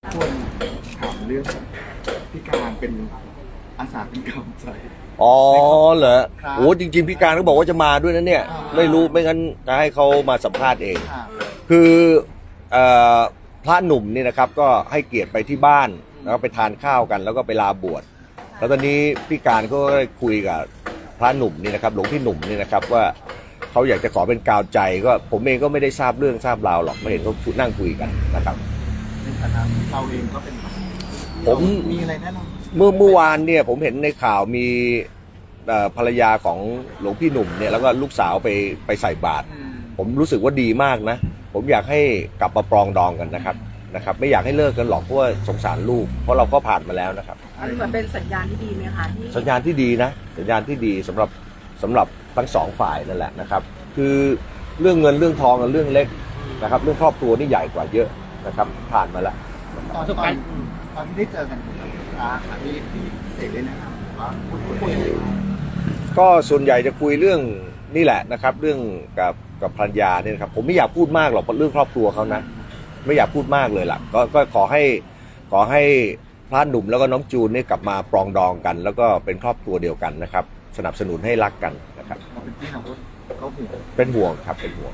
ควรถามเรื่องพี่การเป็นอาสาเป็นกำลังใจอ๋อเหรอครับโอ้จริงๆพี่การก็บอกว่าจะมาด้วยนะเนี่ย ไม่รู้ไม่งั้นจะให้เขามาสัมภาษณ์เองค่ะคือเอ่อพระหนุ่มนี่นะครับก็ให้เกียรติไปที่บ้านแล้วก็ไปทานข้าวกันแล้วก็ไปลาบวชแล้วตอนนี้พี่การก็ได้คุยกับพระหนุ่มนี่นะครับหลวงพี่หนุ่มนี่นะครับว่าเขาอยากจะขอเป็นกาวใจก็ผมเองก็ไม่ได้ทราบเรื่องทราบราวหรอกไม่เห็นเขานั่งคุยกันนะครับในฐานะเราเองก็เป็นผมมีอะไรแนะนำเมื่อวานเนี่ยผมเห็นในข่าวมีภรรยาของหลวงพี่หนุ่มเนี่ยแล้วก็ลูกสาวไปใส่บาตรผมรู้สึกว่าดีมากนะผมอยากให้กลับมาปรองดองกันนะครับไม่อยากให้เลิกกันหรอกเพราะว่าสงสารลูกเพราะเราก็ผ่านมาแล้วนะครับอันนี้มันเป็นสัญญาณที่ดีไหมคะที่สัญญาณที่ดีนะสัญญาณที่ดีสำหรับทั้งสองฝ่ายนั่นแหละนะครับคือเรื่องเงินเรื่องทองกับเรื่องเล็กนะครับเรื่องครอบครัวนี่ใหญ่กว่าเยอะนะครับผ่านมาแล้วตอนที่ได้เจอกันพี่เสกได้นะครับว่าพูดคุยอะไรกันก็ส่วนใหญ่จะคุยเรื่องนี่แหละนะครับเรื่องกับภรรยาเนี่ยนะครับผมไม่อยากพูดมากหรอกเรื่องครอบครัวเขานะไม่อยากพูดมากเลยล่ะก็ขอให้พระหนุ่มแล้วก็น้องจูนเนี่ยกลับมาปรองดองกัน แล้วก็เป็นครอบครัวเดียวกันนะครับสนับสนุนให้รักกันนะครับเราเป็นพี่น้องก็ห่วงเป็นห่วงครับเป็นห่วง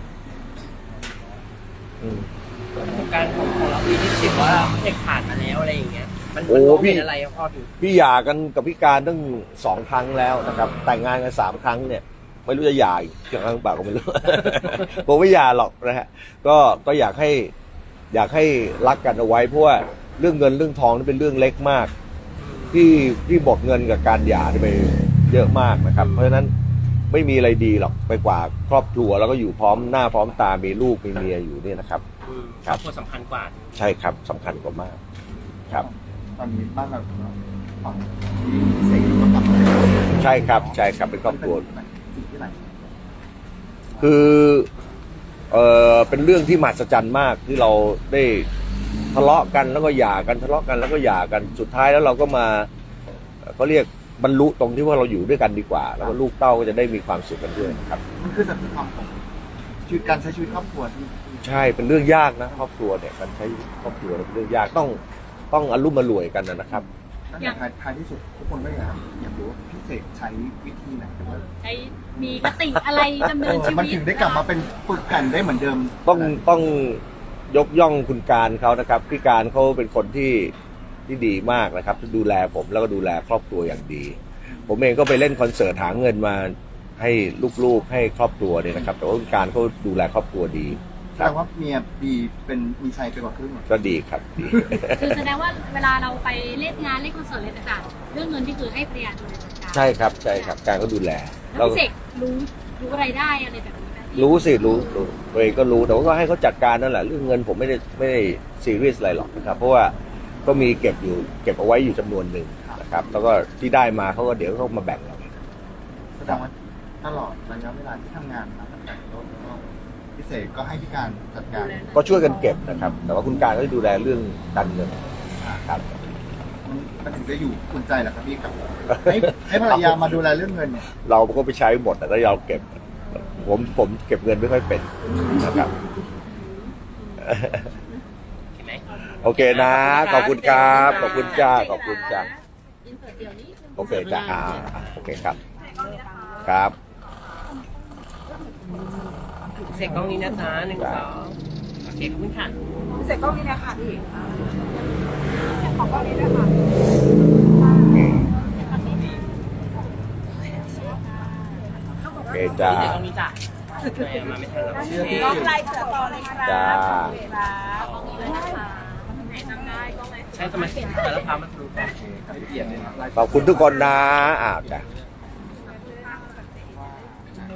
ประสบการณ์ของเราที่รู้สึกว่าเด็กผ่านมาแล้วอะไรอย่างเงี้ยมันโอ้มองพี่เห็นอะไรพอถึงพี่หย่ากันกับพี่การตั้ง2 ครั้งแล้วนะครับแต่งงานกัน3 ครั้งเนี่ยไม่รู้จะหย่าอีกครั้งเปล่าก็ไม่รู้ ผมไม่หย่าหรอกนะฮะก็อยากให้รักกันเอาไว้เพราะว่าเรื่องเงินเรื่องทองนี่เป็นเรื่องเล็กมากที่บดเงินกับการหย่านี่ไปเยอะมากนะครับเพราะฉะนั้นไม่มีอะไรดีหรอกไปกว่าครอบครัวแล้วก็อยู่พร้อมหน้าพร้อมตามีลูกมีเมียอยู่เนี่ยนะครับครอบครัวสำคัญกว่าใช่ครับสำคัญกว่ามากครับตอนนี้บ้านเราฝั่งที่เสกก็กลับมาใช่ครับเป็นครอบครัวสิ่งที่ไหนคือเป็นเรื่องที่มหัศจรรย์มากที่เราได้ทะเลาะกันแล้วก็หย่ากันทะเลาะกันแล้วก็หย่ากันสุดท้ายแล้วเราก็มาเขาเรียกบรรลุตรงที่ว่าเราอยู่ด้วยกันดีกว่า แล้วก็ลูกเต้าก็จะได้มีความสุขกันด้วยนะครับมันคือสัจธรรมของชีวิตการใช้ชีวิตครอบครัวที่ใช่เป็นเรื่องยากนะครอบครัวเนี่ยการใช้ครอบครัวเป็นเรื่องยากต้องอารมณ์มารวยกันนะครับตั้งแต่ท้ายที่สุดทุกคนก็อยากรู้ว่าพี่เสกใช้วิธีไหนหรือว่าใช้มีคติอะไรดำเนินชีวิตมันถึงได้กลับมาเป็นปึกแผ่นได้เหมือนเดิมต้องยกย่องคุณการเขานะครับพี่การเขาเป็นคนที่ดีมากนะครับที่ดูแลผมแล้วก็ดูแลครอบครัวอย่างดี ผมเองก็ไปเล่นคอนเสิร์ตหาเงินมาให้ลูกๆให้ครอบครัวเนี่ยนะครับแต่ว่าคุณการเขาดูแลครอบครัวดีแสดงว่าเมียดีเป็นมีชัยไปกว่าครึ่งเหรอก็ดีครับดีคือแสดงว่าเวลาเราไปเล่นงานเล่นคอนเสิร์ตอะไรต่างๆเรื่องเงินที่คือให้ภรรยาดูแลจัดการใช่ครับการก็ดูแลแล้วพี่เสกรู้อะไรได้อะไรแบบนี้ไหมรู้สิรู้ตัวเองก็รู้แต่ว่าก็ให้เขาจัดการนั่นแหละเรื่องเงินผมไม่ได้ซีเรียสอะไรหรอกนะครับเพราะว่าก็มีเก็บเอาไว้อยู่จำนวนหนึ่งนะครับแล้วก็ที่ได้มาเขาก็เดี๋ยวเขามาแบ่งเราแสดงว่าตลอดระยะเวลาที่ทำงานมาตั้งแต่ต้นก็พี่เสกก็ให้พี่การจัดการก็ช่วยกันเก็บนะครับแต่ว่าคุณการก็จะดูแลเรื่องการเงินครับมันถึงจะอยู่อุ่นใจแหละครับพี่กับให้ภรรยามาดูแลเรื่องเงินเนี่ยเราก็ไปใช้หมดแต่ถ้าเราเก็บผมเก็บเงินไม่ค่อยเป็นนะครับเห็นไหมโอเคนะขอบคุณครับขอบคุณจ้าขอบคุณจ้าอินเสิร์ตเดี๋ยวนี้โอเคจ้าโอเคครับครับเสกกล้องนี้นะจ๊ะ1 2โอเคขอบคุณค่ะเสร็จกล้องนี้นะคะพี่ขอกล้องนี้ด้วยค่ะโอเคจ้าเสกกล้องนี้จ้ะมาไม่ทันแล้วกล้องไลน์เสือต่อเลยครับจ้าใช้สมาธิแต่ละพามาดูกันขอบคุณทุกคนนะจ้ะ